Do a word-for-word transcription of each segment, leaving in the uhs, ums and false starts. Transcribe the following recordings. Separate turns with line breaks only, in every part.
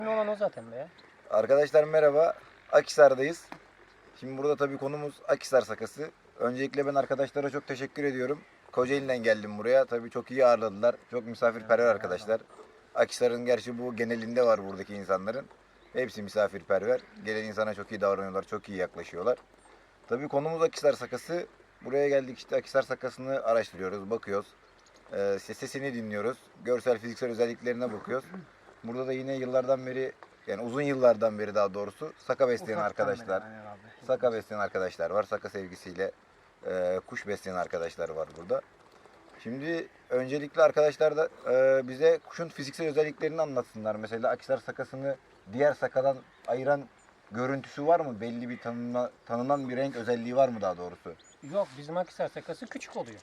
olan o zaten be ya.
Arkadaşlar merhaba. Akhisar'dayız. Şimdi burada tabii konumuz Akhisar sakası. Öncelikle ben arkadaşlara çok teşekkür ediyorum. Kocaeli'den geldim buraya. Tabii çok iyi ağırladılar. Çok misafirperver arkadaşlar. Akhisar'ın gerçi bu genelinde var buradaki insanların. Hepsi misafirperver. Gelen insana çok iyi davranıyorlar, çok iyi yaklaşıyorlar. Tabii konumuz Akhisar sakası. Buraya geldik işte Akhisar sakasını araştırıyoruz, bakıyoruz. Ee, sesini dinliyoruz. Görsel, fiziksel özelliklerine bakıyoruz. Burada da yine yıllardan beri, yani uzun yıllardan beri daha doğrusu saka besleyen
Ufaktan
arkadaşlar,
beri, aynen abi.
saka besleyen arkadaşlar var. Saka sevgisiyle e, kuş besleyen arkadaşlar var burada. Şimdi öncelikle arkadaşlar da e, bize kuşun fiziksel özelliklerini anlatsınlar. Mesela Akhisar sakasını diğer sakadan ayıran görüntüsü var mı? Belli bir tanına, tanınan bir renk özelliği var mı daha doğrusu?
Yok, bizim Akhisar sakası küçük oluyor.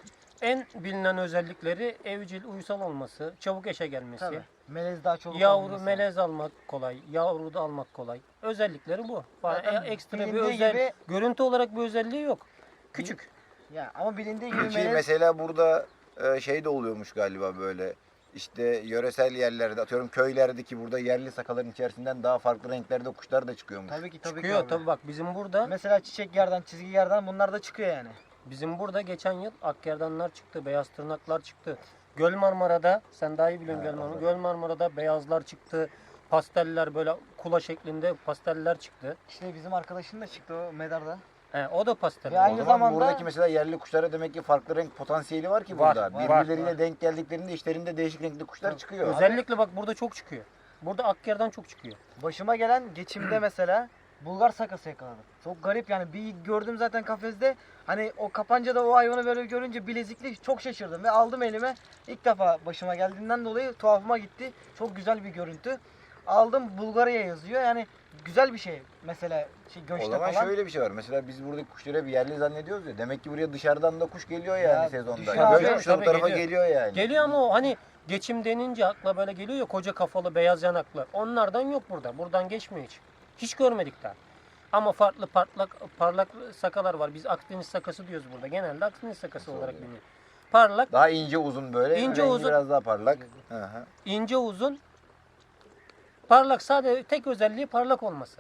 En bilinen özellikleri evcil, uysal olması, çabuk eşe gelmesi,
Tabii. Melez daha çok
yavru
olması.
melez almak kolay, yavru da almak kolay. Özellikleri bu. Bana
Zaten
e- ekstra bir
bilindiği
özel,
gibi-
görüntü olarak bir özelliği yok. Küçük.
Ya ama bilindiği gibi
Peki
melez
mesela burada e, şey de oluyormuş galiba böyle. İşte yöresel yerlerde, atıyorum köylerdeki burada yerli sakaların içerisinden daha farklı renklerde kuşlar da çıkıyormuş.
tabii ki tabii
Çıkıyor
ki abi.
tabii, bak bizim burada
Mesela çiçek yerden, çizgi yerden bunlar da çıkıyor yani.
bizim burada geçen yıl akgerdanlar çıktı, beyaz tırnaklar çıktı. Göl Marmara'da, sen daha iyi biliyorsun
Ha,
Göl Marmara.
evet.
Göl Marmara'da beyazlar çıktı. Pasteller, böyle kula şeklinde pasteller çıktı.
İşte bizim arkadaşın da çıktı o medarda.
He, o da pastel.
Ve
O
aynı
zaman
zamanda-
buradaki mesela yerli kuşlara demek ki farklı renk potansiyeli var ki
Var,
burada.
var,
Birbirleriyle
var.
denk geldiklerinde işlerinde değişik renkli kuşlar
Tabii.
çıkıyor.
Özellikle bak burada çok çıkıyor. Burada akgerdan çok çıkıyor.
Başıma gelen geçimde mesela Bulgar sakası yakaladım. Çok garip yani, bir gördüm zaten kafeste. Hani o kapancada o hayvanı böyle görünce bilezikli, çok şaşırdım ve aldım elime. İlk defa başıma geldiğinden dolayı tuhafıma gitti. Çok güzel bir görüntü. Aldım, Bulgarya yazıyor. Yani güzel bir şey mesela şey,
O
göçte
zaman
falan.
şöyle bir şey var. Mesela biz buradaki kuşları bir yerli zannediyoruz ya. Demek ki buraya dışarıdan da kuş geliyor yani
Ya,
sezonda.
düşüyor
Göç
abi,
kuşu da bu
tabii
tarafa
geliyor.
geliyor yani.
Geliyor ama o hani geçim denince akla böyle geliyor ya, koca kafalı beyaz yanaklı. Onlardan yok burada. Buradan geçmiyor hiç. Hiç görmedik daha. Ama farklı parlak parlak sakalar var. Biz Akdeniz sakası diyoruz burada. Genelde Akdeniz sakası
Nasıl
olarak
oluyor?
biliniyor. Parlak,
Daha ince uzun böyle.
İnce
rengi
uzun.
biraz daha parlak. Hı hı.
ince uzun, parlak, sadece tek özelliği parlak olması.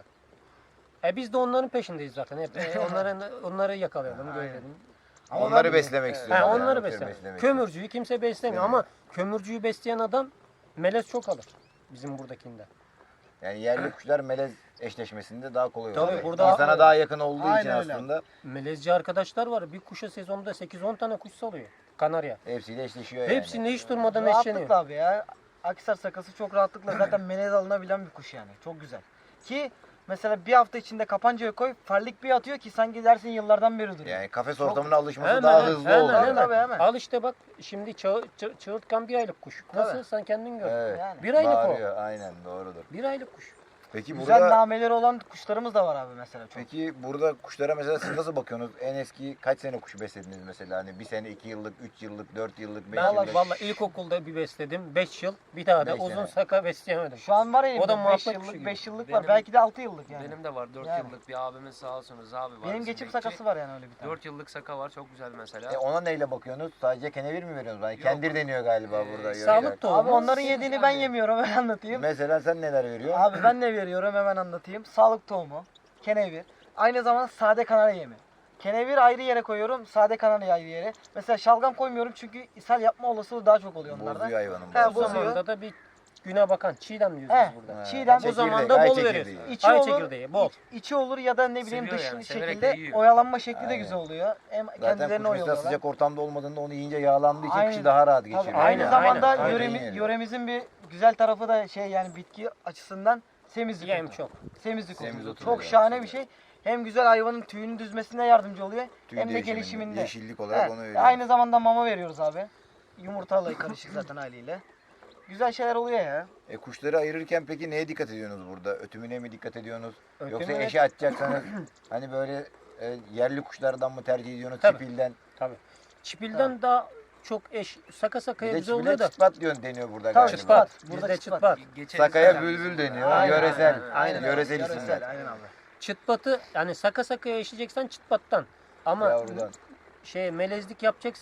E biz de onların peşindeyiz zaten. Hep e, onların onları yakalayalım,
Aynen.
görelim.
Ama
Onları
ben-
beslemek
Evet.
istiyorlar.
Ha,
yani,
onları
atıyorum
beslemek.
beslemek
Kömürcüyü kimse beslemiyor
Beslemiyor.
ama kömürcüyü besleyen adam melez çok alır bizim buradakinde.
Yani yerli kuşlar melez eşleşmesinde daha kolay
Tabii,
oluyor.
burada-
İnsana daha yakın olduğu için
Aynen öyle.
aslında
Melezci arkadaşlar var. Bir kuşa sezonda sekiz on tane kuş salıyor. Kanarya.
hepsiyle eşleşiyor yani.
Hepsinde hiç durmadan eşleniyor.
Rahatlıkla abi ya. Akhisar sakası çok rahatlıkla zaten melez alınabilen bir kuş yani. Çok güzel. Ki mesela bir hafta içinde kapancaya koy, farlık bir atıyor ki sanki dersin yıllardan beri duruyor.
Yani kafes
Çok-
ortamına alışması
Hemen,
daha
hemen,
hızlı
hemen,
oluyor.
hemen.
Tabii, hemen.
Al işte bak, şimdi çağ, çı- çığırtkan bir aylık kuş. Nasıl,
Tabii.
sen kendin gör.
Evet.
Yani.
Bir aylık
Bağırıyor. Aynen doğrudur.
o. Bir aylık kuş.
Peki
Güzel
burada
nameleri olan kuşlarımız da var abi mesela çok.
Peki burada kuşlara mesela siz nasıl bakıyorsunuz? En eski kaç sene kuş beslediniz mesela? Hani bir sene, iki yıllık, üç yıllık, dört yıllık, beş
Ben
yıllık.
valla ilkokulda bir besledim. beş yıl. Bir daha da
Beş
uzun
sene.
saka besleyemedim.
Şu an var
O da
elimde beş
muhabbet kuşu
yıllık,
gibi.
beş yıllık var.
Benim-
Belki de altı yıllık yani.
Benim de var dört
Yani.
yıllık bir abimiz, sağ olsunuz abi var.
Benim
bizim
geçim
bekçi.
sakası var yani öyle bir tane.
dört yıllık saka var, çok güzel mesela.
E ona neyle bakıyorsunuz? Sadece kenevir mi veriyorsunuz? Hani
Yok.
kendir deniyor galiba
Ee,
burada.
sağlık
yörede.
tohumu.
Abi onların
Siz
yediğini
yani-
ben yemiyorum, hemen anlatayım.
Mesela sen neler veriyorsun?
Abi ben ne veriyorum hemen anlatayım. Sağlık tohumu, kenevir, aynı zamanda sade kanarya yemi. Kenevir ayrı yere koyuyorum, sade kanarya ayrı yere. Mesela şalgam koymuyorum çünkü ishal yapma olasılığı daha çok oluyor onlarda.
Bozuyor hayvanın.
He,
O
bazı.
bozuyor.
zamanda da bir güne bakan çiğdem diyoruz
He.
biz burada.
Ha,
Çiğdem,
O zaman
çekirdek,
da
ay
bol
çekirdeği.
veriyorsun.
İçi
Ay
olur,
çekirdeği bol.
içi olur ya da ne bileyim
Seviyor
dış
yani, severek
şekilde
de yiyor.
oyalanma şekli de
Aynen.
güzel oluyor. Hem
Zaten
kendilerini
kuş mesela
oyalıyorlar.
sıcak ortamda olmadığında onu yiyince yağlandığı için
Aynen.
kışı daha rahat
Tabii,
geçiriyor.
aynı
Aynen,
zamanda
aynen, aynen.
yöremi-
Yani.
yöremizin bir güzel tarafı da şey yani bitki açısından semizlik.
Yem
otu.
çok.
Semizlik
Semiz
otu.
otu
Çok
yani
şahane
aslında.
bir şey. Hem güzel hayvanın tüyünün düzmesine yardımcı oluyor.
Tüy
hem de
değişiminde,
gelişiminde.
yeşillik olarak
Evet,
onu veriyoruz.
aynı zamanda mama veriyoruz abi. Yumurtalı karışık zaten haliyle. Güzel şeyler oluyor ya.
E kuşları ayırırken peki neye dikkat ediyorsunuz burada? Ötümüne mi dikkat ediyorsunuz? Yoksa
Ötümüne-
eşe atacaksanız hani böyle e, yerli kuşlardan mı tercih ediyorsunuz?
Tabii.
Çipilden.
Tabii. Çipilden daha çok eş, saka
Bir
sakaya
de
bize
çipile
oluyor da.
çıtpat diyor deniyor burada
Tabii,
galiba.
Çıtpat.
Burada
Bizde
çıtpat.
çıtpat.
Geçen
Sakaya
sene
bülbül
bizim-
deniyor.
Aynen,
Yöresel.
aynen,
Aynen. Yöresel
Yöresel,
isimler.
aynen abi.
Çıtpatı, yani saka sakaya eşeceksen çıtpattan. Ama
Yavrudan.
şey melezlik yapacaksan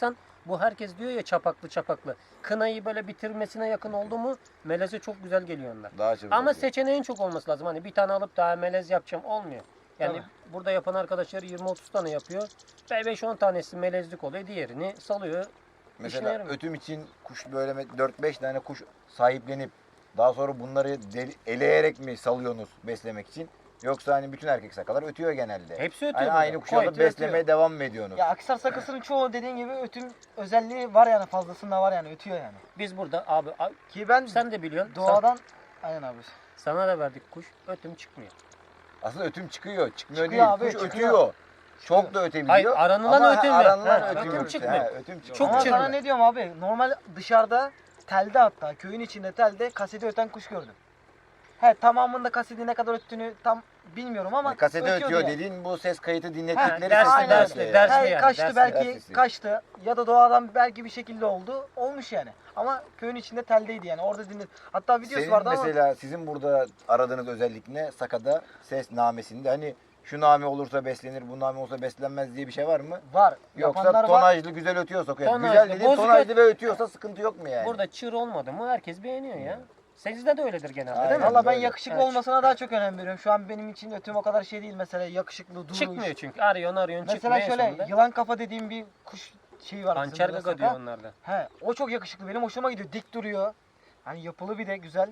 Bu herkes diyor ya çapaklı çapaklı. Kınayı böyle bitirmesine yakın oldu mu meleze çok güzel geliyor onlar.
Daha çabuk
Ama
oluyor.
seçeneğin çok olması lazım. Hani bir tane alıp daha melez yapacağım olmuyor. Yani
Tabii.
burada yapan arkadaşlar yirmi otuz tane yapıyor. Ve beş on tanesi melezlik oluyor. Diğerini salıyor. İşine
Mesela
yaramıyor.
ötüm için kuş böyle dört beş tane kuş sahiplenip daha sonra bunları deli- eleyerek mi salıyorsunuz beslemek için? Yoksa hani bütün erkek sakalar ötüyor genelde.
Hepsi ötüyor
Hani
burada.
aynı kuşları
Koytuyor,
beslemeye
ötüyor.
devam mı ediyorsunuz?
Ya Akhisar sakasının çoğu dediğin gibi ötüm özelliği var yani, fazlasında var yani, ötüyor yani.
Biz burada abi a-
Ki ben
sen de biliyorsun. Sa-
doğadan aynen abi.
sana da verdik kuş. Ötüm çıkmıyor.
Aslında ötüm çıkıyor. Çıkmıyor
Çıkıyor
değil.
abi,
Kuş
çıkıyor.
ötüyor. Çok da ötebiliyor.
Hayır, aranılan
Ama
ötüm mü?
aranılan
Ha,
ötüm,
ötüm
yok.
çıkmıyor.
Ha, ötüm çıkıyor.
Çok
Ama
çırpı.
sana ne diyorum abi? Normal dışarıda telde, hatta köyün içinde telde kaseti öten kuş gördüm. He, tamamında kaseti ne kadar öttüğünü tam bilmiyorum ama
Yani kasete
ötüyordu
ötüyor
yani.
dediğin bu ses kayıtı
Ha,
dinlettikleri
dersli,
ses
Aynen
dersli,
öyle.
dersli
He,
yani,
kaçtı
dersli.
belki,
Dersli.
kaçtı ya da doğadan belki bir şekilde oldu. Olmuş yani. Ama köyün içinde teldeydi yani. Orada dinlet. Hatta videosu
Senin
vardı ama
mesela sizin burada aradığınız özellik ne? Sakada ses namesinde hani şu name olursa beslenir, bu name olsa beslenmez diye bir şey var mı?
var.
Yoksa
Yapanlar var.
tonajlı güzel ötüyorsa, yani
Tonajlı,
güzel dediğin
bozuk
tonajlı
öt-
ve ötüyorsa sıkıntı yok mu yani?
Burada çığır olmadı mı herkes beğeniyor ya. Sizde de öyledir genelde
Aynen.
değil mi?
Valla ben
Böyle.
yakışıklı
Evet.
olmasına daha çok önem veriyorum. Şu an benim için ötüm o kadar şey değil mesela, yakışıklı, duruş.
Çıkmıyor çünkü. Arıyorsun arıyorsun
Mesela
çıkmıyor en
şöyle
sonunda.
yılan kafa dediğim bir kuş şeyi var. bizim
Hançer
burada,
gaga
saka.
diyor onlarda.
He, o çok yakışıklı. Benim hoşuma gidiyor. Dik duruyor. Hani yapılı bir de güzel.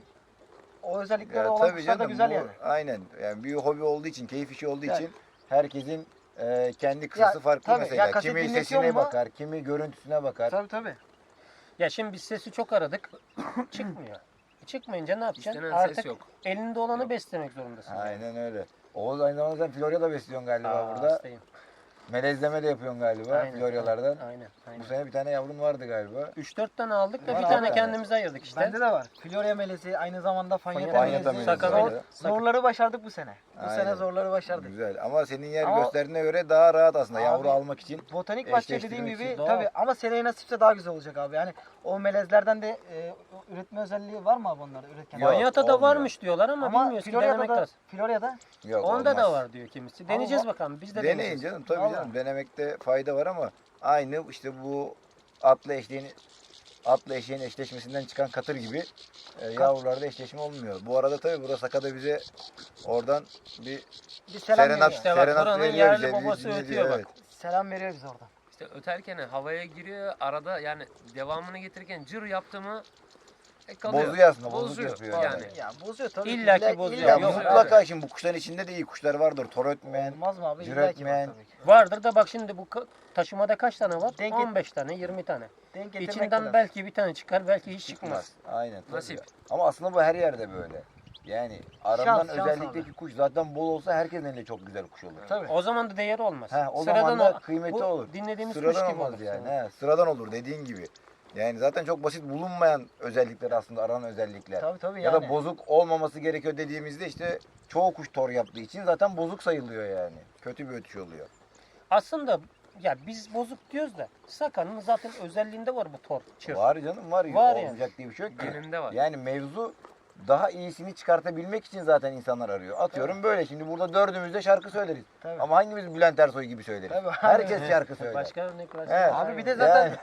O özellikleri
Ya
olan
tabii
kuşlar da
canım,
güzel
bu
yani.
aynen. Yani bir hobi olduğu için, keyif işi olduğu
Yani.
için herkesin e, kendi kısası
Ya,
farklı
tabii.
mesela.
Ya kaset
Kimi
dinletiyor
sesine
mu?
bakar, kimi görüntüsüne bakar.
Tabii tabii.
Ya şimdi biz sesi çok aradık. Çıkmıyor. Çıkmayınca ne yapacaksın?
İstenen
Artık
ses yok.
elinde olanı beslemek zorundasın.
Aynen öyle. Oğuz aynı zamanda sen Florya'da besliyorsun galiba
Aa,
burada.
hastayım.
Melezleme de yapıyorsun galiba
Aynen,
Floryalardan.
Aynen. aynen.
Bu sene bir tane yavrun vardı galiba.
üç dört tane aldık da
Var
bir
abi.
tane kendimize ayırdık işte.
Bende de var. Florya melezi, aynı zamanda fanyeta
Fanyeta
melezi.
melezi,
Zor-
evet.
zorları başardık bu sene. Bu
Aynen.
sene zorları başardık.
Güzel ama senin yer
Ama-
gösterdiğine göre daha rahat aslında
Abi,
yavru almak için.
Botanik bahçe
Eşleştirmek
dediğim
için
gibi
doğal.
tabii, ama seneye nasipse daha güzel olacak abi. Yani o melezlerden de e, üretme özelliği var mı abi onlarda üretken?
Yok.
Manyata'da
olmuyor.
varmış diyorlar ama,
Ama
bilmiyoruz ki
Florya'da
denemek
da,
lazım.
Florya'da
Yok,
Onda da
olmaz.
var diyor kimisi.
Ama
Deneyeceğiz
o-
bakalım. Biz de
Deneyin
deneyeceğiz.
canım tabii
Vallahi.
canım denemekte fayda var ama aynı işte bu atla eşeğin atla eşeğin eşleşmesinden çıkan katır gibi e, yavrularda eşleşme olmuyor. Bu arada tabii burada Sakada bize oradan bir
bir selam
serenat,
veriyor.
İşte bak,
serenat
buranın
veriyor
yerli
bize,
babası
dinletiyor,
ötüyor bak.
evet.
Selam veriyor bize oradan.
İşte öterken havaya giriyor arada, yani devamını getirirken cır yaptı mı e, kalıyor.
Bozuyor aslında, bozuk
Bozuyor
yapıyor
yani.
yani.
Ya bozuyor tabii.
İlla ki
İlla-
bozuyor.
illa
Ya
ki
Yok,
mutlaka şimdi bu kuşların içinde de iyi kuşlar vardır. Tor ötmeyen,
Olmaz mı abi?
cır
İlla ki var
ötmeyen.
tabii ki.
Vardır da bak şimdi bu ka- taşımada kaç tane var?
Denk-
on beş tane, yirmi tane.
Denk getirmek
İçinden
lazım.
belki bir tane çıkar, belki hiç çıkmaz.
çıkmaz. Aynen tabii.
Nasip.
Ama aslında bu her yerde böyle. Yani aranan
şans
özellikteki kuş zaten bol olsa herkesin elinde çok güzel kuş olur.
Tabii.
O zaman da değeri olmaz.
He, o
Sıradan
zaman da
ol-
kıymeti
bu
olur.
Dinlediğimiz kuş
Sıradan
gibi
olmaz
olur.
yani. He, sıradan olur dediğin gibi. Yani zaten çok basit bulunmayan özellikler aslında aranan özellikler.
Tabii tabii
Ya
yani.
da bozuk olmaması gerekiyor dediğimizde işte çoğu kuş tor yaptığı için zaten bozuk sayılıyor yani. Kötü bir ötüş oluyor.
Aslında ya biz bozuk diyoruz da Sakan'ın zaten özelliğinde var bu tor, çır.
Var canım var.
Var yani.
Olmayacak diye bir şey yok ki.
Geninde var.
Yani mevzu daha iyisini çıkartabilmek için zaten insanlar arıyor. Atıyorum böyle şimdi burada dördümüz de şarkı söyleriz.
Tabii.
Ama hangimiz Bülent Ersoy gibi söyleriz?
Tabii.
Herkes şarkı söyler.
Başka örnek var.
He.
Abi bir de zaten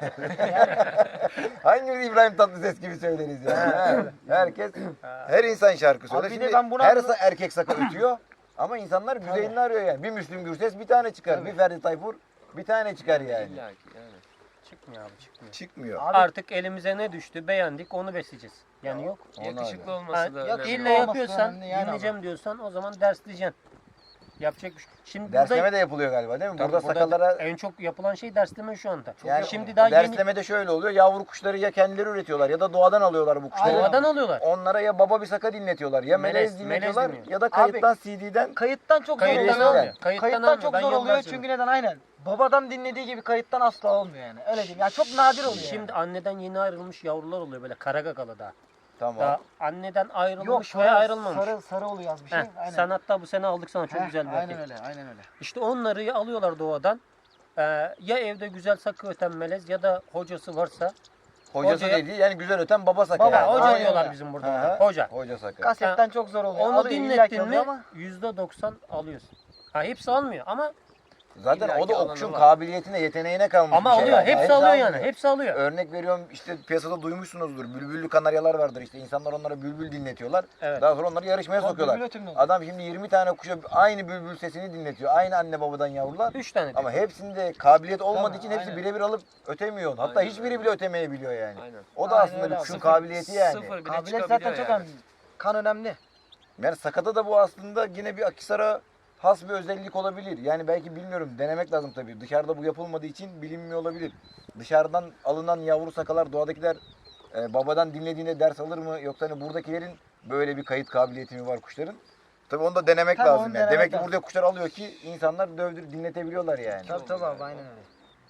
Hangimiz İbrahim Tatlıses gibi söyleriz yani. He. Herkes, her insan şarkı söyler.
Abi bir de
Şimdi
ben buna-
her sa- erkek saka ötüyor. Ama insanlar güzelini arıyor yani. Bir Müslüm Gürses bir tane çıkar.
Tabii.
Bir Ferdi Tayfur bir tane çıkar yani.
İlla ki yani.
Çıkmıyor abi çıkmıyor.
Çıkmıyor.
Abi-
Artık elimize ne düştü beğendik onu besleyeceğiz. Yani yok.
Ona
Yakışıklı
öyle.
Ha,
olması da
yok,
önemli.
illa
olması
yapıyorsan,
önemli yani
dinleyeceğim diyorsan o zaman dersleyeceksin. Yapacak bir şey. Şimdi
Dersleme
burada,
de yapılıyor galiba değil mi?
Tabii
burada sakalara
en çok yapılan şey dersleme şu anda.
yani
Şimdi daha yeni
derslemede şöyle oluyor. Yavru kuşları ya kendileri üretiyorlar ya da doğadan alıyorlar bu kuşları.
Aynen.
doğadan alıyorlar.
Onlara ya baba bir saka dinletiyorlar ya melez,
Melez,
dinletiyorlar
melez dinliyor.
ya da kayıttan C D'den
kayıttan çok zor
Kayıttan
oluyor.
almıyor. Kayıttan
Kayıttan,
almıyor.
çok
Ben
zor
yoldan
oluyor
söylüyorum.
çünkü neden? Aynen. Babadan dinlediği gibi kayıttan asla olmuyor yani. Öyle diyeyim. Yani çok nadir oluyor.
Şimdi
yani.
anneden yeni ayrılmış yavrular oluyor böyle kara gagalı daha.
tamam.
Daha anneden
Yok
ayrılmış
sarı,
veya ayrılmamış.
sarı, sarı oluyor az bir şey.
Heh,
Aynen.
sen hatta bu sene aldık sana çok
Heh,
güzel bir
Aynen
erkek.
öyle, aynen öyle.
İşte onları ya alıyorlar doğadan. Ee, ya evde güzel sakı öten melez ya da hocası varsa.
Hocası
hocaya-
dediği yani güzel öten baba saka.
Baba,
yani.
Ha, hoca
aynen
diyorlar
öyle.
bizim
Hı
burada.
hı.
ona. Hoca.
Hoca saka.
Kasetten çok zor oluyor.
Onu
Alıyor, illa ki
dinlettin
alıyor
mi
ama
yüzde doksan alıyorsun. Ha hepsi almıyor ama
Zaten
illaki
o da o
alanı
kuşun
var.
kabiliyetine, yeteneğine kalmış
Ama
bir şey.
alıyor.
yani.
Hepsi
Hepsi
alıyor yani.
almıyor.
Hepsi alıyor.
Örnek veriyorum işte piyasada duymuşsunuzdur. Bülbüllü kanaryalar vardır işte. İnsanlar onlara bülbül dinletiyorlar.
Evet.
Daha sonra onları yarışmaya
Tabii,
sokuyorlar.
bülbül ötümlü olur.
Adam şimdi yirmi tane kuşa aynı bülbül sesini dinletiyor. Aynı anne babadan yavrular.
Üç tane.
Ama
diyor.
hepsinde kabiliyet olmadığı
Tabii,
için hepsi
aynen.
birebir alıp ötemiyor. Hatta
Aynen
hiçbiri
öyle.
bile ötemeyebiliyor yani.
Aynen.
O da
Aynen
aslında
öyle
bir
abi.
kuşun
Sıfır-
kabiliyeti yani.
Sıfır bile
Kabiliyet
çıkabiliyor
zaten çok
yani.
önemli. Kan önemli.
Yani sakata da bu aslında yine bir Akhisar'a has bir özellik olabilir. Yani belki bilmiyorum, denemek lazım tabii. Dışarıda bu yapılmadığı için bilinmiyor olabilir. Dışarıdan alınan yavru sakalar, doğadakiler e, babadan dinlediğinde ders alır mı? Yoksa hani buradakilerin böyle bir kayıt kabiliyeti mi var kuşların? Tabii onu da denemek
Tabii
lazım
onu
yani.
denemek
Demek ki
lazım.
burada kuşlar alıyor ki insanlar dövdür dinletebiliyorlar yani.
Tabii tabii abi aynen öyle.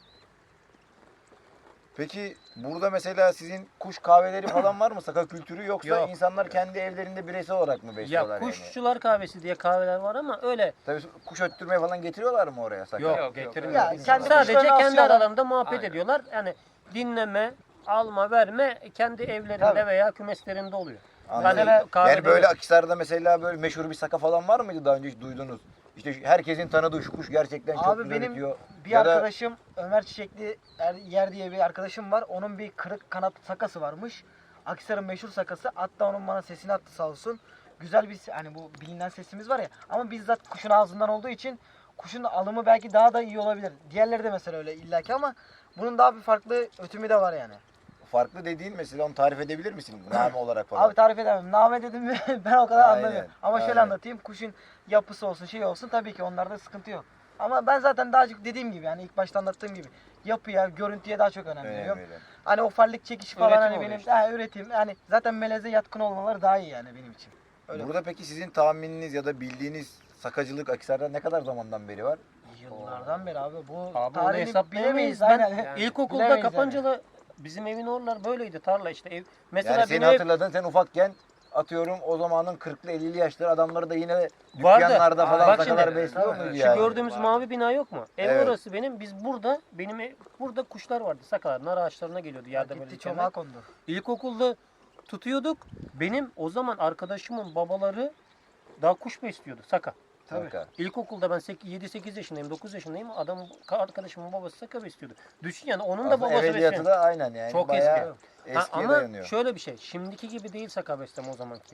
Peki burada mesela sizin kuş kahveleri falan var mı? Saka kültürü yoksa
Yok.
insanlar kendi evlerinde bireysel olarak mı besliyorlar
Ya
yani?
kuşçular kahvesi diye kahveler var ama öyle
Tabii kuş öttürmeye falan getiriyorlar mı oraya saka?
yok,
Yok, yok,
getirmiyor.
Ya
Biz
kendi
sadece
kuşlarını
kendi
asıyorlar.
aralarında muhabbet
Aynen.
ediyorlar. Yani dinleme, alma, verme kendi evlerinde
Tabii.
veya kümeslerinde oluyor.
Anladım.
Mesela
kahvede
Yani böyle
yok.
Akhisar'da mesela böyle meşhur bir saka falan var mıydı daha önce hiç duydunuz? İşte şu- herkesin tanıdığı şu kuş gerçekten çok
Abi
güzel
benim
ötüyor.
bir
Ya da-
arkadaşım Ömer Çiçekli Er- Yer diye bir arkadaşım var. Onun bir kırık kanat sakası varmış. Akhisar'ın meşhur sakası. Hatta onun bana sesini attı sağ olsun. Güzel bir se- hani bu bilinen sesimiz var ya. Ama bizzat kuşun ağzından olduğu için kuşun alımı belki daha da iyi olabilir. Diğerleri de mesela öyle illaki ama bunun daha bir farklı ötümü de var yani.
Farklı dediğin mesela onu tarif edebilir misin? Name olarak falan.
Abi tarif edemem. Name dedim mi ben o kadar
Aynen,
anlamıyorum. Ama şöyle
aynen.
anlatayım. Kuşun yapısı olsun şey olsun tabii ki onlarda sıkıntı yok. Ama ben zaten daha çok dediğim gibi yani ilk başta anlattığım gibi yapıya, görüntüye daha çok önem
Önemli,
veriyorum.
öyle.
Hani o farlık çekiş falan
Üretim
hani
oluyor
benim
işte.
ha, üretim yani zaten meleze yatkın olmaları daha iyi yani benim için. Öyle.
Burada peki sizin tahmininiz ya da bildiğiniz sakacılık Akhisar'da ne kadar zamandan beri var?
Yıllardan beri abi bu
Abi onu
tarihini
hesaplayamayız.
bilemeyiz.
Ben
Aynen.
Yani
ilkokulda
bilemeyiz yani.
Kapancalı bizim evin oralar böyleydi tarla işte ev. Mesela
Yani seni
benim ev
hatırladın, sen ufakken atıyorum o zamanın kırklı ellili yaşları adamları da yine
Vardı.
dükkanlarda falan
Bak
sakalar
şimdi,
besliyor
şu
muydu
şu
yani?
gördüğümüz
Vardı.
mavi bina yok mu? Ev
Evet.
orası benim. Biz burada benim ev, burada kuşlar vardı. Sakalar nar ağaçlarına geliyordu yerde böyle.
Gitti
dikenler.
çomağa kondu.
İlkokulda tutuyorduk. Benim o zaman arkadaşımın babaları daha kuş besliyordu saka.
Tabii.
Saka.
İlkokulda ben yedi sekiz yaşındayım, dokuz yaşındayım. Adam arkadaşımın babası saka besliyordu. Düşün yani onun da
Aslında
babası
evveliyatı
besliyor.
da aynen yani.
Çok
bayağı
eski. Ha,
eskiye
ama
dayanıyor.
şöyle bir şey. Şimdiki gibi değil saka besleme o zamanki.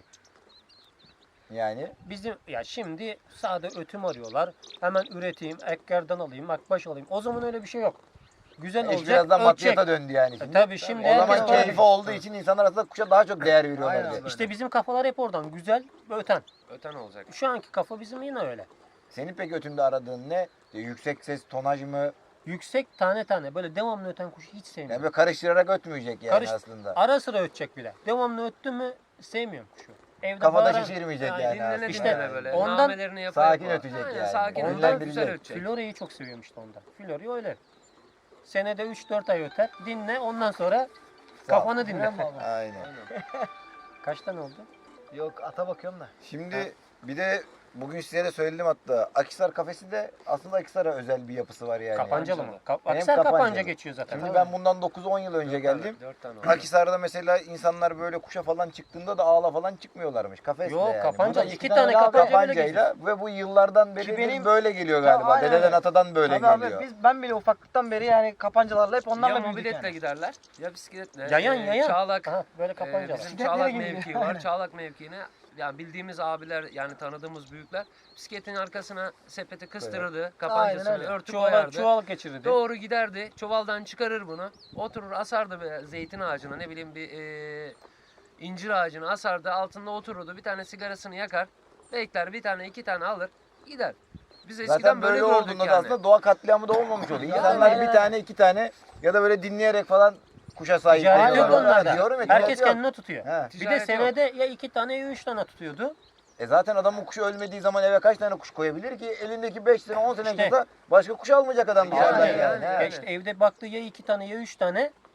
Yani
Bizim ya şimdi sade ötüm arıyorlar. Hemen üreteyim, ekkerden alayım, akbaş alayım. O zaman öyle bir şey yok. Güzel
iş
olacak,
birazdan
ölçek.
maddiyata döndü yani
E,
şimdi.
tabii şimdi
O zaman
herkes öyle.
keyfi olduğu için insanlar aslında kuşa daha çok değer veriyorlar.
Aynen
diye.
abi.
İşte bizim kafalar hep oradan. Güzel ve öten.
Öten olacak.
Şu anki kafa bizim yine öyle.
Senin peki ötümde aradığın ne? E, Yüksek ses, tonaj mı?
Yüksek tane tane böyle devamlı öten kuşu hiç
Yani
sevmiyorum.
böyle karıştırarak ötmeyecek yani
Karış-
aslında.
Ara sıra ötecek bile. Devamlı öttü mü sevmiyorum kuşu. Evde
Kafada
bağıran-
şişirmeyecek
Yani
yani,
Dinlene
aslında.
İşte
dinlene böyle.
ondan
Namelerini yapa
sakin
yapa.
ötecek
Aynen,
yani.
Sakin
Ondan
ötecek,
bilecek.
güzel ötecek.
Florya'yı çok seviyorum işte ondan. Florya öyle. Senede üç dört ay öter. Dinle ondan sonra
Sağ ol.
kafanı dinle.
Dinle abi.
Aynen.
Aynen.
Kaç tane oldu?
Yok ata bakıyorum da.
Şimdi bir de bugün size de söyledim hatta. Akhisar kafesi de aslında Akhisar'a özel bir yapısı var yani.
Kapancalı mı? Ka-
Benim
Aksar Kapanca
Kapancalı.
geçiyor zaten.
Şimdi ben bundan dokuz on yıl önce geldim.
Dört tane oldu.
Akhisar'da mesela insanlar böyle kuşa falan çıktığında da ağla falan çıkmıyorlarmış. Kafesle
Yok
yani.
kapanca.
Burada
iki
tane
tane
daha
kapanca böyle geçiyor.
Kapancayla ve bu yıllardan beri
Ki benim-
böyle geliyor
Ya
galiba.
aynen
Dededen
öyle.
atadan böyle
Tabii
geliyor.
abi biz ben bile ufaklıktan beri yani kapancalarla hep onlarla
Ya
büyüdük
mobiletle
yani.
giderler ya bisikletle.
Yayan
Ee,
yayan.
Çağlak.
Aha, böyle
e,
kapanca var.
bizim
Bisikletlere
Çağlak
gidiyor.
mevkii
Aynen.
var. Çağlak mevkiine yani bildiğimiz abiler yani tanıdığımız büyükler bisikletin arkasına sepeti kıstırırdı. Kapancasını
Aynen öyle.
örtü
Çuval,
koyardı.
çuval geçirirdi.
Doğru giderdi. Çuvaldan çıkarır bunu. Oturur asardı bir zeytin ağacına ne bileyim bir e, incir ağacına asardı. Altında otururdu. Bir tane sigarasını yakar. Bekler bir tane iki tane alır. Gider. Biz eskiden
Zaten
böyle,
böyle
gördük
olduğunda da
yani.
aslında doğa katliamı da olmamış oluyor.
Yani
İnsanlar
aynen.
bir tane iki tane ya da böyle dinleyerek falan kuşa sahip
Ticaret
oluyorlar.
yok onlarda.
Diyorum ya,
Herkes
ticaret yok.
kendine tutuyor.
He.
Bir de
Ticaret yok.
senede ya iki tane ya üç tane tutuyordu.
E zaten adamın kuşu ölmediği zaman eve kaç tane kuş koyabilir ki? Elindeki beş sene on sene
İşte.
geçse başka kuş almayacak adam
Yani,
dışarıdan
yani,
yani.
yani.
He.
Ya işte evde baktığı ya iki tane ya üç tane.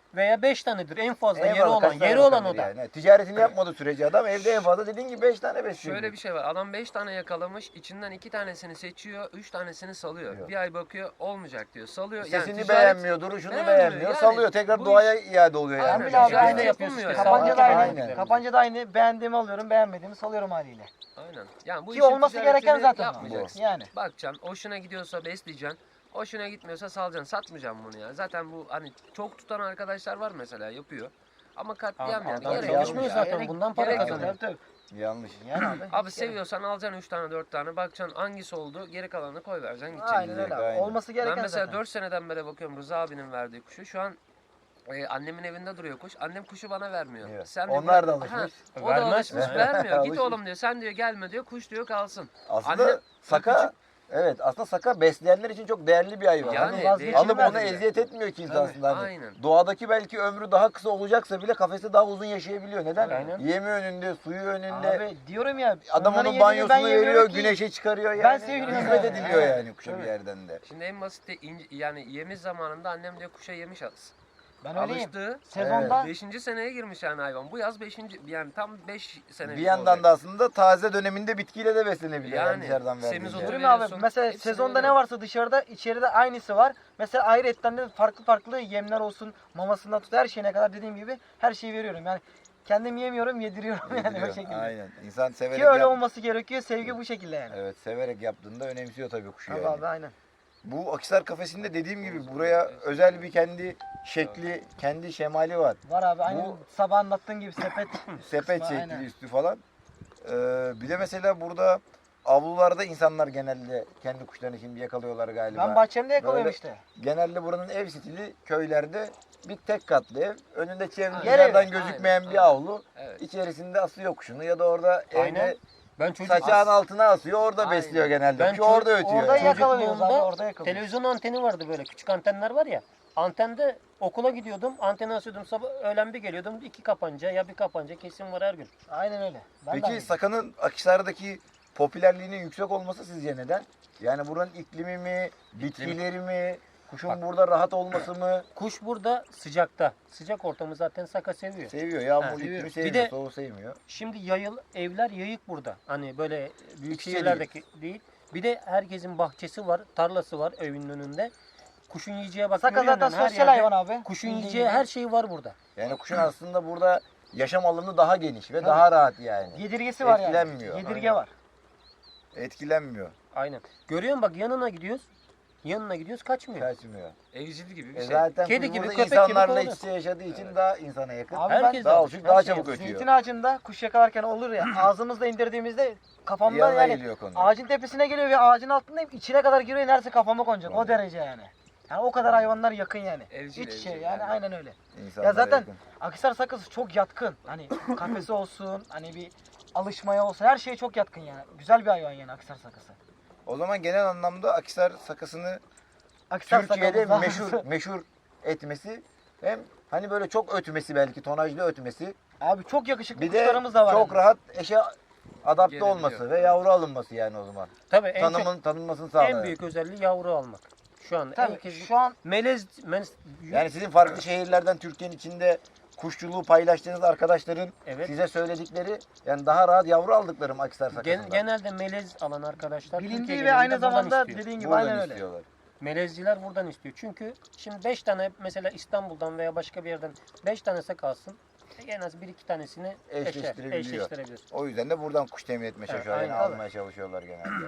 veya beş tanedir en fazla yeri
Eyvallah,
olan.
kaç tane
Yeri olan o
bakabilir
da.
yani. Ticaretini yapmadığı sürece adam evde en fazla dediğin gibi beş tane besliyor.
Şöyle bir şey var. Adam beş tane yakalamış. İçinden iki tanesini seçiyor. Üç tanesini salıyor.
Yok.
Bir ay bakıyor olmayacak diyor. Salıyor.
Sesini
ticaret-
beğenmiyor, duruşunu
Beğenmiyor.
beğenmiyor,
Yani
salıyor. Tekrar
bu
doğaya
iş-
iade oluyor yani.
Aynen.
Ambil abi
Ticaret
aynı.
yapılmıyor yani.
Kapanca da
Aynen.
aynı. Kapanca da aynı. Beğendiğimi alıyorum, beğenmediğimi salıyorum haliyle.
Aynen. Yani bu
Ki
işin
olması gereken
ticaretini
zaten o.
yapmayacaksın.
Yani.
Bakacaksın. Hoşuna gidiyorsa besleyeceksin. Hoşuna gitmiyorsa salacaksın. Satmayacaksın bunu ya. Zaten bu hani çok tutan arkadaşlar var mesela yapıyor. Ama katliam yani.
Adam
Gerek
çalışmıyor
yok.
zaten.
Gerek-
Bundan para
gerek yok.
kazanıyor.
Tabii,
Yanlış.
tabii. Yani abi.
Abi
hiç gerek-
seviyorsan alacaksın üç tane dört tane bakacaksın hangisi oldu geri kalanını koy vereceksin gideceksin.
Aynen öyle abi.
Aynen.
Olması gereken
Ben mesela
zaten.
dört seneden beri bakıyorum Rıza abinin verdiği kuşu. Şu an e, annemin evinde duruyor kuş. Annem kuşu bana vermiyor.
Evet.
Sen de
Onlar da
bırak-
alışmış.
Ha, o
Vermez.
da alışmış
Evet.
vermiyor. Git
Alışmış.
oğlum diyor. Sen diyor gelme diyor. Kuş diyor kalsın.
Aslında
Anne-
saka, evet aslında saka besleyenler için çok değerli bir hayvan.
Yani
Hani
vazgeçilmez
alıp ona
bile.
eziyet etmiyor ki insan
Tabii.
aslında. Hani
Aynen.
doğadaki belki ömrü daha kısa olacaksa bile kafeste daha uzun yaşayabiliyor. Neden?
Aynen.
Yemi önünde, suyu önünde.
Abi diyorum ya.
Adam
onların
onun
yediğini ben
banyosunu
yemiyorum
veriyor,
ki.
güneşe çıkarıyor yani.
Ben seviyorum
Hizmet
yani.
ediliyor
Evet.
yani kuşa bir
Tabii.
yerden de.
Şimdi en basit yani yemiz zamanında annem diyor kuşa yemiş alsın.
Ben öyleyim.
Alıştı.
Sezonda
Beşinci seneye girmiş yani hayvan. Bu yaz beşinci yani tam beş sene.
Bir yandan da aslında taze döneminde bitkiyle de beslenebiliyor yani,
Yani
dışarıdan verdiğinde.
semizotu
diyorum ya abi
veriyorsun,
mesela
hepsini
sezonda ne
veriyor.
varsa dışarıda içeride aynısı var. Mesela ayrı etten de farklı farklı yemler olsun, mamasından tut her şeyine kadar dediğim gibi her şeyi veriyorum. Yani kendim yemiyorum, yediriyorum yani o
Yediriyor.
şekilde.
Aynen. İnsan severek
Ki öyle
yap-
olması gerekiyor. Sevgi bu şekilde yani.
Evet, severek yaptığında önemsiyor tabii kuşu
Abi
yani.
abi aynen.
Bu Akhisar kafesinde dediğim gibi buraya özel bir kendi şekli, kendi şemali var.
Var abi aynen
Bu-
sabah anlattığın gibi sepet.
Sepet
Aynen.
şekli üstü falan. Ee, bir de mesela burada avlularda insanlar genelde kendi kuşlarını şimdi yakalıyorlar galiba.
Ben bahçemde yakalıyorum
Böyle-
işte.
Genelde buranın ev stili köylerde bir tek katlı ev. Önünde çevre
Aynen.
dışarıdan
Yer evi.
gözükmeyen
Aynen,
bir
aynen.
avlu.
Evet.
İçerisinde asıyor kuşunu ya da orada
Aynen.
evde
Ben çocuk
saçağın altına asıyor orada
Aynen.
besliyor genelde.
Ben
Kuş orada
çocuk-
ötüyor.
Orada
yani.
yakalıyoruz abi
Çocukluğumda
orada yakalıyoruz.
televizyon anteni vardı böyle küçük antenler var ya. Antende okula gidiyordum, anteni asıyordum, sabah öğlen bir geliyordum, iki kapanca ya bir kapanca kesin var her gün.
Aynen öyle. Ben de
Peki
aynıyım.
Saka'nın Akhisar'daki popülerliğinin yüksek olması sizce neden? Yani buranın iklimi mi, bitkileri mi, kuşun
Bak.
burada rahat olması mı?
Kuş burada sıcakta. Sıcak ortamı zaten Saka seviyor.
Seviyor. Yağmur
Ha,
iklimi
seviyor. Bir
sevmiyor,
de-
soğuğu sevmiyor.
Şimdi yayıl evler yayık burada. Hani böyle büyük
İç içe
şehirlerdeki değil. Bir de herkesin bahçesi var, tarlası var evinin önünde. Kuşun yiyeceği bak.
Saka
görüyor
zaten
musun? Her
sosyal
yerde
hayvan abi.
Kuşun
Bildiğin
yiyeceği
gibi.
her şey var burada.
Yani kuşun aslında burada yaşam alanı daha geniş ve daha rahat yani.
Yedirgesi var yani.
Etkilenmiyor.
Yedirge var.
Etkilenmiyor,
Aynen. Görüyor musun bak yanına gidiyoruz. Yanına gidiyoruz kaçmıyor.
kaçmıyor.
Evcil gibi bir
E
şey.
zaten
Kedi
kuş
gibi,
burada
köpek gibi
insanlarla
kovalıyor.
iç içe yaşadığı için daha insana yakın.
Abi
Herkes
daha
alışık,
alışık,
her
daha
şeye
çabuk
alışık.
ötüyor.
Zeytin ağacında kuş yakalarken olur ya ağzımızla indirdiğimizde kafamda
Yanına
yani
geliyor konu.
ağacın tepesine geliyor ve ağacın altındayım içine kadar giriyor neredeyse kafama konacak o
Vallahi.
derece yani. Yani o kadar hayvanlar yakın yani.
Evcil,
İç içe
evcil
yani,
yani.
aynen öyle.
İnsanlara
Ya zaten
yakın.
Akhisar sakızı çok yatkın. Hani kafesi olsun hani bir alışmaya olsun her şeye çok yatkın yani. Güzel bir hayvan yani Akhisar sakızı.
O zaman genel anlamda Akhisar sakasını
Akhisar
Türkiye'de
sakızı-
meşhur meşhur etmesi hem hani böyle çok ötmesi belki tonajlı ötmesi
Abi çok yakışıklı
bir de
kuşlarımız da var.
çok
yani.
rahat eşe adapte
Gelebiliyor.
olması ve yavru alınması yani o zaman.
Tabii en, çok-
Tanımın tanınmasını sağlıyor.
en büyük özelliği yavru almak. Şu anda
Tabii
herkes
şu an
melez, melez
Yani sizin farklı şehirlerden Türkiye'nin içinde kuşçuluğu paylaştığınız arkadaşların
evet.
size söyledikleri yani daha rahat yavru aldıklarım Akhisar sakasından.
Gen- genelde melez alan arkadaşlar
bilindiği
Türkiye
ve aynı
genelinde buradan
zamanda
istiyor.
dediğin gibi
Buradan
aynen öyle.
istiyorlar.
Melezciler buradan istiyor. Çünkü şimdi beş tane mesela İstanbul'dan veya başka bir yerden beş tanesi kalsın. En az bir iki tanesini eşer,
Eşleştirebiliyor.
eşleştirebilir.
O yüzden de buradan kuş temin etmeye çalışıyorlar.
aynen.
Yani almaya çalışıyorlar genelde.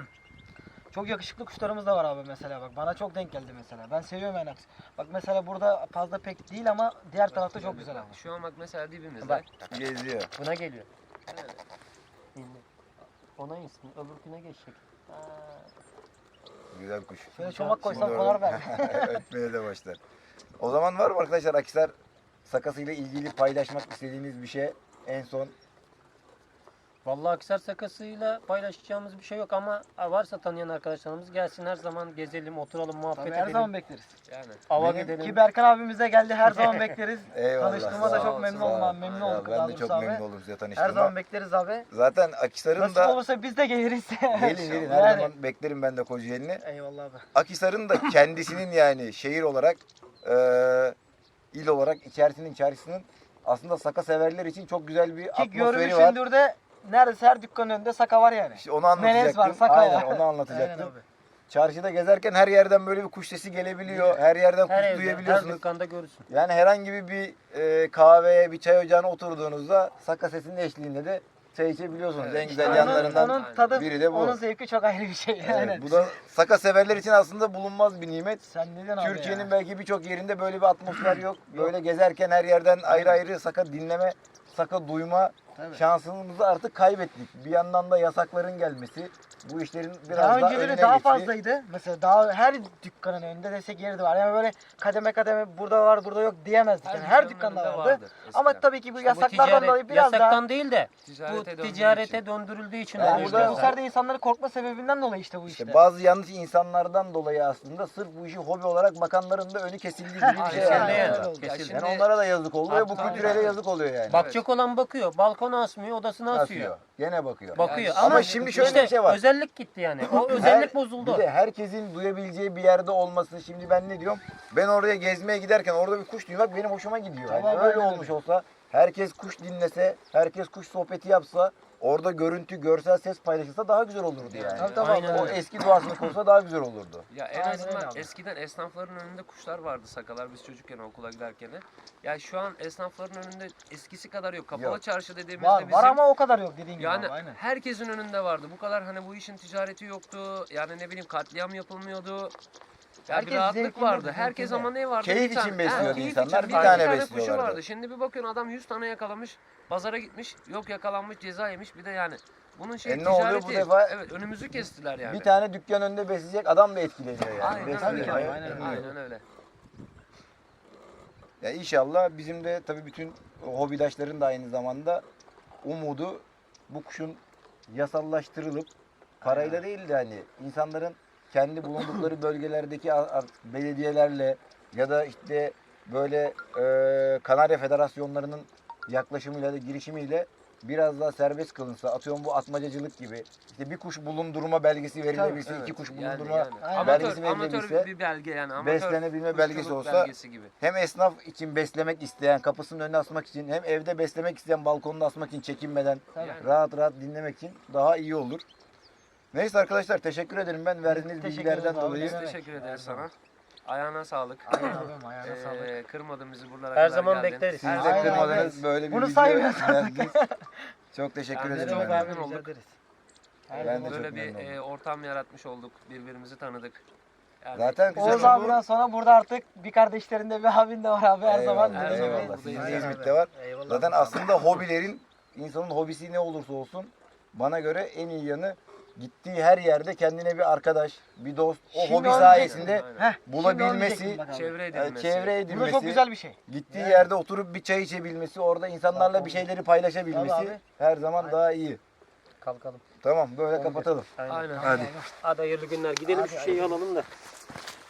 Çok yakışıklı kuşlarımız da var abi mesela bak. Bana çok denk geldi mesela. Ben seviyorum yani. Bak mesela burada fazla pek değil ama diğer tarafta çok güzel abi.
Şu an bak mesela dibimizde.
Bak
Geziyor.
buna geliyor.
Evet.
Şimdi ona insin. Öbürküne geçecek. Ha.
Güzel kuş.
Şöyle çomak koysam
Şimdi
konar
orada-
belki.
Ötmeye de başlar. O zaman var mı arkadaşlar Akhisar sakasıyla ilgili paylaşmak istediğiniz bir şey en son?
Vallahi Akhisar sakasıyla paylaşacağımız bir şey yok ama varsa tanıyan arkadaşlarımız gelsin her zaman gezelim, oturalım, muhabbet
Tabii her
edelim.
zaman bekleriz.
Yani.
Ava
Benim-
gidelim.
Ki Berkan abimiz de geldi her zaman bekleriz.
Eyvallah.
Tanıştığıma da
sağ
çok
ol,
memnun
sağ ol.
oldum abi. Memnun
Ya
olduk
ben
daha
de
doğrusu
çok
abi.
memnun oldum size
Her
tanıştığıma.
zaman bekleriz abi.
Zaten Akhisar'ın
Nasip
da
olursa biz de geliriz.
gelin gelin her
Yani.
zaman beklerim ben de Kocaeli'ni.
Eyvallah abi.
Akhisar'ın da kendisinin yani şehir olarak eee il olarak içerisinin içerisinin aslında saka severler için çok güzel bir
Ki
atmosferi var.
görmüşsündür de neredeyse her dükkanın önünde saka var yani.
İşte onu anlatacaktım.
Melez var, saka
Aynen
var.
onu anlatacaktım.
Aynen abi.
Çarşıda gezerken her yerden böyle bir kuş sesi gelebiliyor. Her yerden
Her
kuş
evde, her
duyabiliyorsunuz.
dükkanda görürsün.
Yani herhangi bir, bir e, kahveye, bir çay ocağına oturduğunuzda saka sesinin eşliğinde de çay içebiliyorsunuz.
Evet.
En güzel
Onun-
yanlarından
onun tadı,
biri de bu.
onun zevki çok ayrı bir şey.
Evet,
Yani.
bu da saka severler için aslında bulunmaz bir nimet.
Sen ne diyorsun abi
Türkiye'nin
ya?
belki birçok yerinde böyle bir atmosfer yok. Böyle gezerken her yerden ayrı ayrı saka dinleme, saka duyma
Tabii.
şansımızı artık kaybettik. Bir yandan da yasakların gelmesi, bu işlerin biraz
Daha
daha,
önceleri
önüne
daha
geçti.
fazlaydı. Mesela daha her dükkanın önünde desek yeri de var. Yani böyle kademe kademe burada var burada yok diyemezdik. Yani her
dükkanın
dükkanda
önünde
vardı.
eskiden.
Ama tabii ki bu
İşte bu
yasaklardan
ticaret-
dolayı biraz
yasaktan
daha...
değil de
Ticarete
bu
döndüğü
ticarete
için.
döndürüldüğü için
Yani
oluyor
burada
burada-
bu
biraz
sefer
daha.
de insanların korkma sebebinden dolayı işte bu işte.
İşte bazı yanlış insanlardan dolayı aslında sırf bu işi hobi olarak bakanların da önü kesildiği gibi bir şey
Aynen
yani.
öyle yani.
öyle oldu.
Ya
Kesildi.
şimdi-
Yani onlara da yazık oluyor ve bu
Artık-
kültürele yazık oluyor yani.
Bakacak olan bakıyor. Balkona asmıyor, odasına asıyor.
Asıyor. Gene bakıyor.
Bakıyor.
Yani-
Ama,
Ama şimdi şöyle
işte
bir şey var.
özellik gitti yani. O
Her-
özellik bozuldu.
Bir de herkesin duyabileceği bir yerde olması. Şimdi ben ne diyorum? Ben oraya gezmeye giderken orada bir kuş duymak benim hoşuma gidiyor. Yani
Tamam,
öyle
aynen
olmuş olsa, herkes kuş dinlese, herkes kuş sohbeti yapsa, orada görüntü, görsel ses paylaşılsa daha güzel olurdu yani.
Tabii, tabii,
Aynen
O
öyle.
eski doğasını kursa daha güzel olurdu.
Ya en
Aynen
azından
öyle abi.
eskiden esnafların önünde kuşlar vardı, sakalar biz çocukken okula giderken. Ya şu an esnafların önünde eskisi kadar yok. Kapalı
Yok.
çarşı dediğimizde
Var,
bizim
var ama o kadar yok dediğin gibi
yani
abi, aynen.
herkesin önünde vardı. Bu kadar hani bu işin ticareti yoktu. Yani ne bileyim katliam yapılmıyordu. Ya
Herkes
bir rahatlık
zevkinde,
vardı. Herkes
zevkinde.
ama ne vardı?
Keyif
Bir tane-
için besliyordu
keyif
insanlar,
için
bir
bir
tane
kuşu
besliyorlardı.
vardı. Şimdi bir bakıyorsun adam yüz tane yakalamış. Pazara gitmiş. Yok yakalanmış, ceza yemiş. Bir de yani bunun şey
E ne oluyor
ticareti.
bu defa?
Evet önümüzü kestiler yani.
Bir tane dükkan önünde besleyecek adam da etkileniyor yani.
Aynen
Besliyor.
öyle.
Tabii ki,
Aynen,
aynen
aynen,
öyle.
öyle.
Ya inşallah bizim de tabii bütün hobidaşların da aynı zamanda umudu bu kuşun yasallaştırılıp parayla değil de hani insanların kendi bulundukları bölgelerdeki a- a- belediyelerle ya da işte böyle e, Kanarya Federasyonlarının yaklaşımıyla da girişimiyle biraz daha serbest kılınsa, atıyorum bu atmacacılık gibi işte bir kuş bulundurma belgesi verilebilse,
Evet,
iki kuş
yani-
bulundurma
yani.
Aynen.
belgesi
Amatör, amatör
verilebilse,
bir belge yani. Amatör
beslenebilme belgesi
kuşçuluk
olsa
belgesi gibi.
hem esnaf için beslemek isteyen, kapısının önüne asmak için, hem evde beslemek isteyen balkonda asmak için çekinmeden
Tabii.
Yani.
rahat rahat dinlemek için daha iyi olur. Neyse arkadaşlar teşekkür ederim ben verdiğiniz
Teşekkür
bilgilerden
ederiz abi.
dolayı.
Biz
Evet.
teşekkür
Her
ederiz
zaman.
sana. Ayağına sağlık.
Aynen abim, ayağına sağlık.
Ee, kırmadın bizi buralara
Her
kadar
zaman
geldin.
bekleriz.
Siz
Her
de
zaman
Aynen abi.
kırmadınız böyle bir
Bunu
video
saymıyoruz artık.
verdiniz. Çok teşekkür
Yani
ederim.
çok
Çok
ben.
abi
memnun
rica
olduk.
ederiz. Her
Ben de
zaman.
çok
Böyle bir
memnun
e, ortam yaratmış olduk. Birbirimizi tanıdık. Yani
Zaten güzel
Oğuz
oldu.
abiden sonra burada artık bir kardeşlerinde bir abin de var abi her zaman.
Eyvallah,
Her zaman
eyvallah.
buradayız.
Sizin de
Aynen
İzmit'te var.
Eyvallah.
Zaten aslında hobilerin, insanın hobisi ne olursa olsun bana göre en iyi yanı gittiği her yerde kendine bir arkadaş, bir dost, o
Şimdi
hobi
onu
sayesinde
diyecektim.
Heh,
bulabilmesi,
şimdi onu diyecektim bak abi.
çevre
yani
edilmesi.
çevre
Bu da
edilmesi,
çok güzel bir şey.
gittiği
Yani.
yerde oturup bir çay içebilmesi, orada insanlarla bir şeyleri
Tabii
paylaşabilmesi
abi.
her zaman daha iyi.
Kalkalım.
Tamam böyle kapatalım.
Aynen.
Aynen.
Hadi.
Hadi hayırlı günler. Gidelim
Hadi,
şu şeyi
hadi.
alalım da.